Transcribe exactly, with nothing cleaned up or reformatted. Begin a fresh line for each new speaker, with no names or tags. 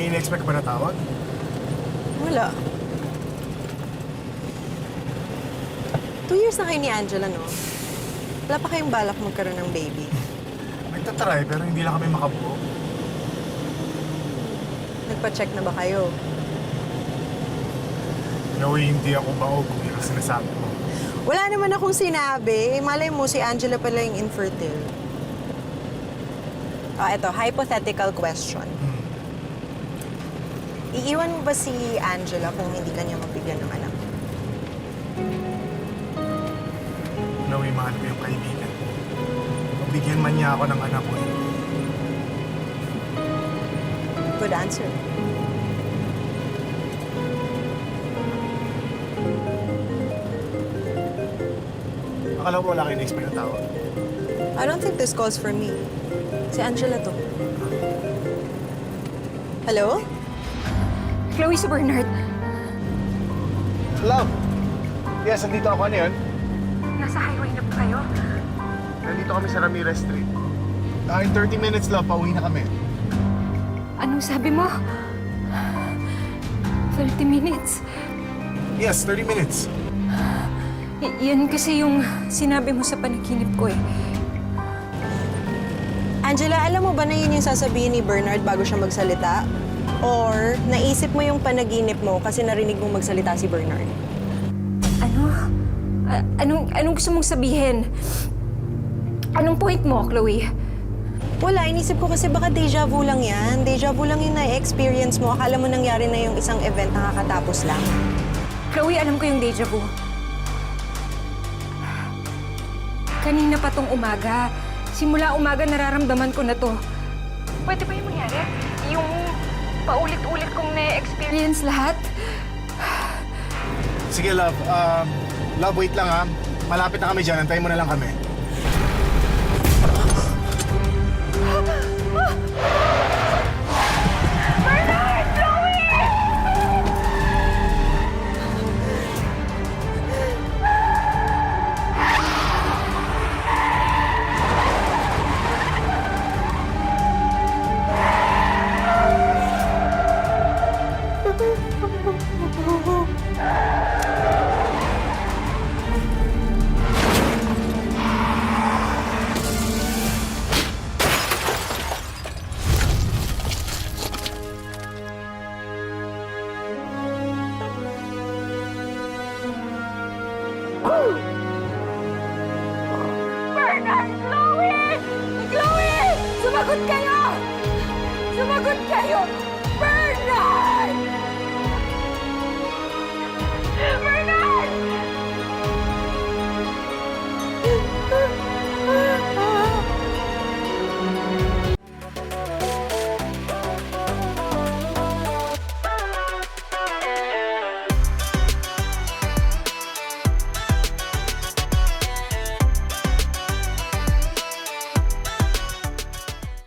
May in-expect ka ba na tawag?
Wala. Two years na kayo ni Angela, no? Wala pa kayong balak magkaroon ng baby.
Nagtatry pero hindi lang kami makabuo.
Nagpa-check na ba kayo?
No, hindi ako baog kung yun ang sinasabi mo.
Wala naman akong sinabi. Malay mo, si Angela pala yung infertile. Ah, eto, hypothetical question.
Hmm.
Iiwan mo ba si Angela kung hindi ka niya mabigyan ng anak?
Chloe, mahal ko yung kaibigan ko. Mabigyan man niya ako ng anak ko.
Good answer.
Akala ko wala kayo na-expect na tawag.
I don't think this calls for me. Si Angela to. Hello?
Chloe, si Bernard.
Love! Yes, nandito ako. Ano yun?
Nasa highway na ba kayo?
Nandito kami sa Ramirez Street. Ah, in thirty minutes, love. Pauwi na kami.
Anong sabi mo? thirty minutes.
Yes, thirty minutes.
Y- yan kasi yung sinabi mo sa panaginip ko eh.
Angela, alam mo ba na yun yung sasabihin ni Bernard bago siya magsalita? Or naisip mo yung panaginip mo kasi narinig mong magsalita si Bernard?
Ano? A- anong, anong gusto mong sabihin? Anong point mo, Chloe?
Wala, inisip ko kasi baka deja vu lang yan. Deja vu lang yung na-experience mo. Akala mo nangyari na yung isang event na kakatapos lang.
Chloe, alam ko yung deja vu. Kanina pa tong umaga. Simula umaga nararamdaman ko na to. Pwede ba yung mangyari? Yung paulit-ulit kong na-experience lahat?
Sige, love. Um, love, wait lang ha. Malapit na kami dyan. Antayin mo na lang kami.
Bernard! Chloe! Bernard! Chloe! Chloe! Sumagot kayo! Sumagot kayo! Bernard!